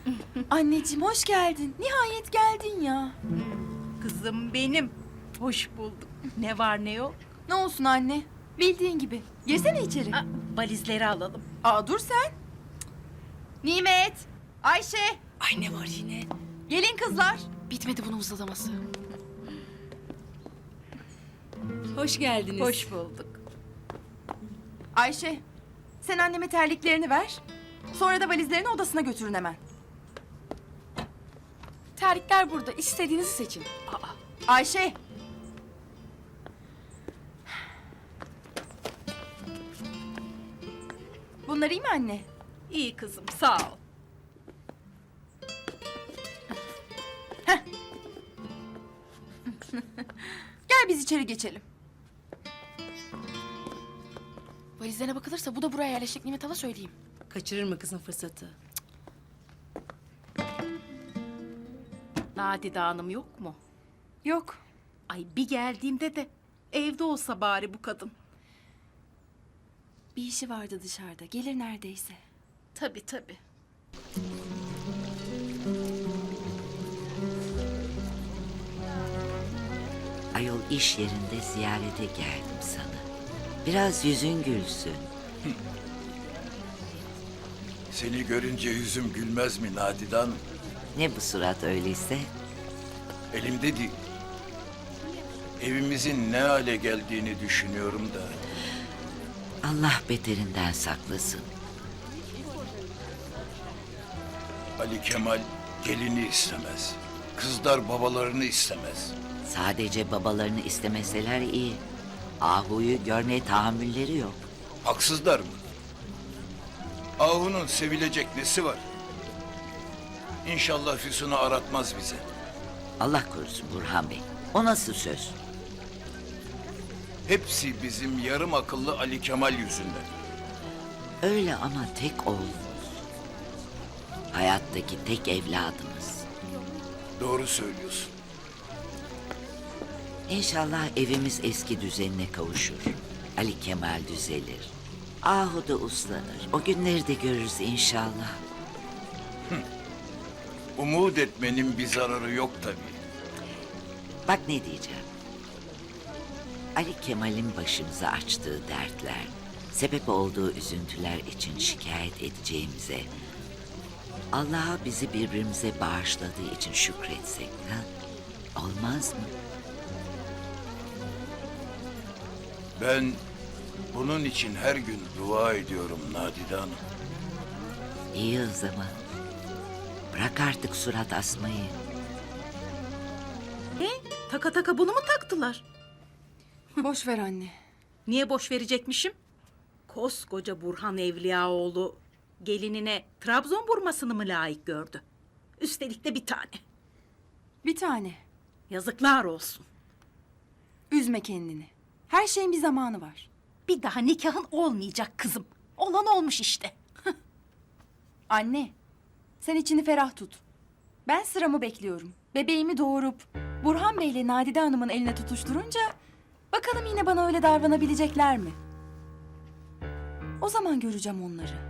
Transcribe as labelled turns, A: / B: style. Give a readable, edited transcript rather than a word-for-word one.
A: Anneciğim hoş geldin. Nihayet geldin ya.
B: Kızım benim. Hoş bulduk. Ne var ne yok?
A: Ne olsun anne? Bildiğin gibi. Girsene içeri.
B: Valizleri alalım.
A: Dur sen. Nimet, Ayşe,
C: Ay ne var yine?
A: gelin kızlar.
C: Bitmedi bunun uzalaması. Hoş geldiniz.
B: Hoş bulduk.
A: Ayşe, sen anneme terliklerini ver. Sonra da valizlerini odasına götürün hemen.
C: Terlikler burada. İstediğinizi seçin.
A: Ayşe. Bunlar iyi mi anne?
B: İyi kızım sağ ol.
A: Gel biz içeri geçelim.
C: Valizlerine bakılırsa bu da buraya yerleşecek Nimet Hala söyleyeyim.
D: Kaçırır mı kızın fırsatı?
B: Nadide Hanım yok mu?
A: Yok.
B: Ay bir geldiğimde de evde olsa bari bu kadın.
A: Bir işi vardı dışarıda. Gelir neredeyse.
B: Tabii tabii.
E: Ayol iş yerinde ziyarete geldim sana. Biraz yüzün gülsün.
F: Seni görünce yüzüm gülmez mi Nadide Hanım?
E: Ne bu surat öyleyse?
F: Elimde değil. Evimizin ne hale geldiğini düşünüyorum da.
E: Allah beterinden saklasın.
F: Ali Kemal gelini istemez. Kızlar babalarını istemez.
E: Sadece babalarını istemeseler iyi. Ahu'yu görmeye tahammülleri yok.
F: Haksızlar mı? Ahu'nun sevilecek nesi var? İnşallah Füsun'u aratmaz bize.
E: Allah korusun Burhan Bey. O nasıl söz?
F: Hepsi bizim yarım akıllı Ali Kemal yüzünden.
E: Öyle ama tek oğlumuz. Hayattaki tek evladımız.
F: Doğru söylüyorsun.
E: İnşallah evimiz eski düzenine kavuşur. Ali Kemal düzelir. Ahu da uslanır. O günleri de görürüz inşallah.
F: Umut etmenin bir zararı yok tabii.
E: Bak ne diyeceğim. Ali Kemal'in başımıza açtığı dertler, sebep olduğu üzüntüler için şikayet edeceğimize, Allah'a bizi birbirimize bağışladığı için şükretsek, ha? Olmaz mı?
F: Ben bunun için her gün dua ediyorum Nadide Hanım.
E: İyi o zaman. Bırak artık surat asmayı.
B: Taka taka bunu mu taktılar?
A: Boş ver anne.
B: Niye boş verecekmişim? Koskoca Burhan Evliyaoğlu gelinine Trabzon burmasını mı layık gördü? Üstelik de bir tane.
A: Bir tane.
B: Yazıklar olsun.
A: Üzme kendini. Her şeyin bir zamanı var.
B: Bir daha nikahın olmayacak kızım. Olan olmuş işte.
A: Anne, sen içini ferah tut. Ben sıramı bekliyorum. Bebeğimi doğurup Burhan Bey'le Nadide Hanım'ın eline tutuşturunca bakalım yine bana öyle davranabilecekler mi? O zaman göreceğim onları.